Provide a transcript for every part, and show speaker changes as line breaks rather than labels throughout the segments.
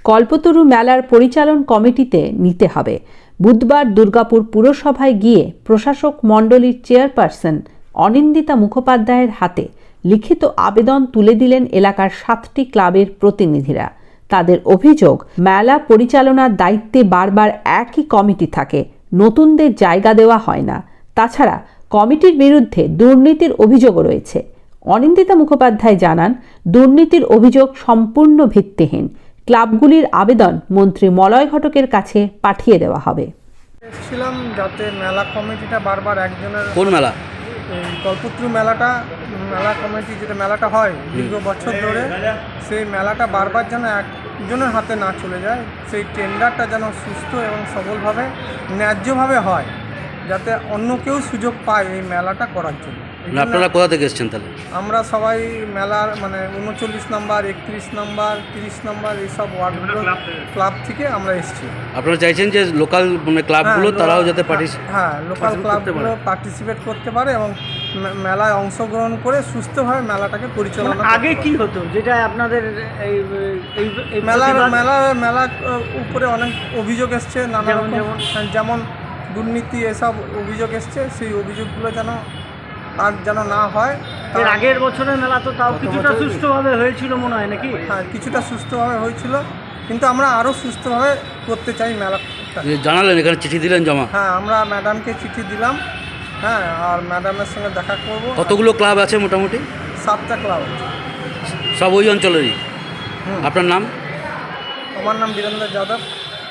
কল্পতরু মেলার পরিচালন কমিটিতে নিতে হবে। বুধবার দুর্গাপুর পুরসভায় গিয়ে প্রশাসক মণ্ডলীর চেয়ারপারসন অনিন্দিতা মুখোপাধ্যায়ের হাতে লিখিত আবেদন তুলে দিলেন এলাকার 7টি ক্লাবের প্রতিনিধিরা। তাদের অভিযোগ, মেলা পরিচালনার দায়িত্বে বারবার একই কমিটি থাকে, নতুনদের জায়গা দেওয়া হয় না। তাছাড়া কমিটির বিরুদ্ধে দুর্নীতির অভিযোগও রয়েছে। অনিন্দিতা মুখোপাধ্যায় জানান, দুর্নীতির অভিযোগ সম্পূর্ণ ভিত্তিহীন। ক্লাবগুলির আবেদন মন্ত্রী মলয় ঘটকের কাছে পাঠিয়ে দেওয়া হবে।
এসেছিলাম যাতে মেলা কমিটিটা বারবার একজনের,
কোন মেলা?
এই কল্পতরু মেলা কমিটি যেটা মেলাটা হয় দীর্ঘ বছর ধরে, সেই মেলাটা বারবার যেন একজনের হাতে না চলে যায়, সেই টেন্ডারটা যেন সুস্থ এবং সবলভাবে ন্যায্যভাবে হয়, যাতে অন্য কেউ সুযোগ পায় এই মেলাটা করার জন্য।
আপনারা কোথা থেকে এসেছেন তাহলে?
আমরা সবাই মেলার 39 নম্বর, 31 নম্বর, 30 নম্বর এইসব ওয়ার্ডগুলো ক্লাব থেকে আমরা এসেছি।
আপনারা চাইছেন যে লোকাল ক্লাবগুলো তারাও যাতে
লোকাল ক্লাবগুলো পার্টিসিপেট করতে পারে এবং মেলায় অংশগ্রহণ করে সুস্থভাবে মেলাটাকে পরিচালনা।
আগে কি হতো যেটা আপনাদের এই
মেলার উপরে অনেক অভিযোগ এসছে, নানা রকম, যেমন দুর্নীতি এসব অভিযোগ এসছে, সেই অভিযোগগুলো যেন না হয়।
এর আগের বছরের মেলা তো তাও কিছুটা সুষ্ঠুভাবে হয়েছিল মনে হয় নাকি?
হ্যাঁ, কিছুটা সুষ্ঠুভাবে হয়েছিল, কিন্তু আমরা আরও সুষ্ঠুভাবে করতে চাই মেলা।
জানালেন, এখানে চিঠি দিলেন জমা?
হ্যাঁ, আমরা ম্যাডামকে চিঠি দিলাম। হ্যাঁ, আর ম্যাডামের সঙ্গে দেখা করব।
কতগুলো ক্লাব আছে মোটামুটি?
7টা ক্লাব আছে,
সব ওই অঞ্চলেরই। আপনার নাম?
আমার নাম বীরেন্দ্র যাদব।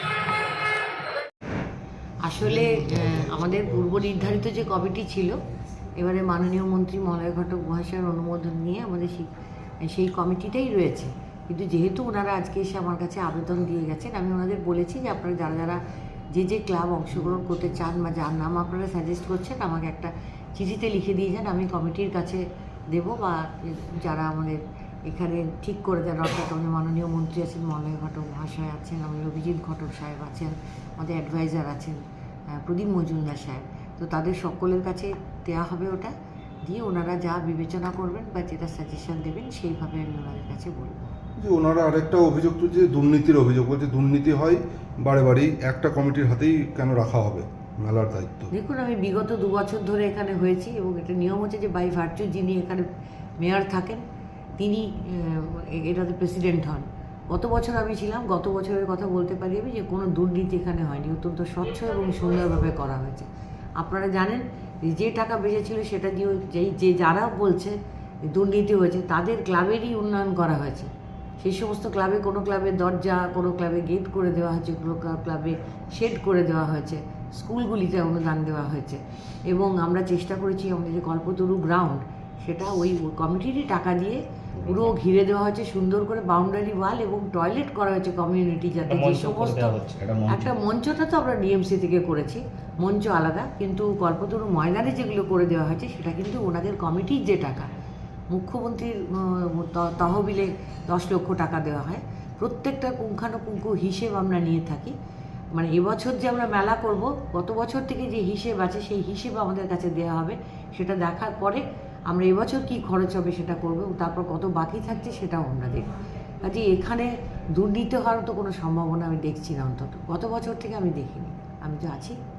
আসলে আমাদের পূর্ব নির্ধারিত যে কমিটি ছিল, এবারে মাননীয় মন্ত্রী মলয় ঘটক মহাশয়ের অনুমোদন নিয়ে আমাদের সেই কমিটিটাই রয়েছে। কিন্তু যেহেতু ওনারা আজকে এসে আমার কাছে আবেদন দিয়ে গেছেন, আমি ওনাদের বলেছি যে আপনারা যারা যে ক্লাব অংশগ্রহণ করতে চান বা যার নাম আপনারা সাজেস্ট করছেন, আমাকে একটা চিঠিতে লিখে দিয়ে যান, আমি কমিটির কাছে দেব, বা যারা আমাদের এখানে ঠিক করে দেন, অর্থাৎ আমাদের মাননীয় মন্ত্রী আছেন, মলয় ঘটক মহাশয় আছেন, আমাদের অভিজিৎ ঘটক সাহেব আছেন, আমাদের অ্যাডভাইজার আছেন প্রদীপ মজুমদার সাহেব, তো তাদের সকলের কাছে দেওয়া হবে। ওটা দিয়ে ওনারা যা বিবেচনা করবেন বা যেটা সাজেশন দেবেন সেইভাবে আমি ওনাদের কাছে বলবো।
যে ওনারা আরেকটা অভিযোগ তুলছে, দুর্নীতির অভিযোগ, বলছে দুর্নীতি হয় বারেবারই, একটা কমিটির হাতেই কেন রাখা হবে মেলার দায়িত্ব?
দেখুন, আমি বিগত 2 বছর ধরে এখানে হয়েছি এবং এটা নিয়ম হচ্ছে যে বাই ভার্চু যিনি এখানে মেয়র থাকেন তিনি এটাতে প্রেসিডেন্ট হন। গত বছর আমি ছিলাম, গত বছরের কথা বলতে পারি আমি যে কোনো দুর্নীতি এখানে হয়নি, অত্যন্ত স্বচ্ছ এবং সুন্দরভাবে করা হয়েছে। আপনারা জানেন যে টাকা বেঁচেছিল সেটা দিয়ে যারা বলছে দুর্নীতি হয়েছে তাদের ক্লাবেরই উন্নয়ন করা হয়েছে। সেই সমস্ত ক্লাবে কোনো ক্লাবে দরজা, কোনো ক্লাবে গেট করে দেওয়া হয়েছে, কোনো ক্লাবে শেড করে দেওয়া হয়েছে, স্কুলগুলিতে অনুদান দেওয়া হয়েছে এবং আমরা চেষ্টা করেছি আমাদের যে কল্পতরু গ্রাউন্ড সেটা ওই কমিটিরই টাকা দিয়ে পুরো ঘিরে দেওয়া হয়েছে, সুন্দর করে বাউন্ডারি ওয়াল এবং টয়লেট করা হয়েছে কমিউনিটি, যাতে যে সমস্ত একটা মঞ্চটা তো আমরা ডিএমসি থেকে করেছি, মঞ্চ আলাদা, কিন্তু কল্পতরু ময়দানে যেগুলো করে দেওয়া হয়েছে সেটা কিন্তু ওনাদের কমিটির যে টাকা, মুখ্যমন্ত্রীর তহবিলে 10 লক্ষ টাকা দেওয়া হয়, প্রত্যেকটা পুঙ্খানুপুঙ্খ হিসেব আমরা নিয়ে থাকি। এবছর যে আমরা মেলা করব, গত বছর থেকে যে হিসেব আছে সেই হিসেব আমাদের কাছে দেওয়া হবে, সেটা দেখার পরে আমরা এবছর কি খরচ হবে সেটা করব, তারপর কত বাকি থাকছে সেটাও আমরা দেখব। কাজে এখানে দুর্নীতি হওয়ার তো কোনো সম্ভাবনা আমি দেখছি না, অন্তত গত বছর থেকে আমি দেখিনি। আমি তো আছি।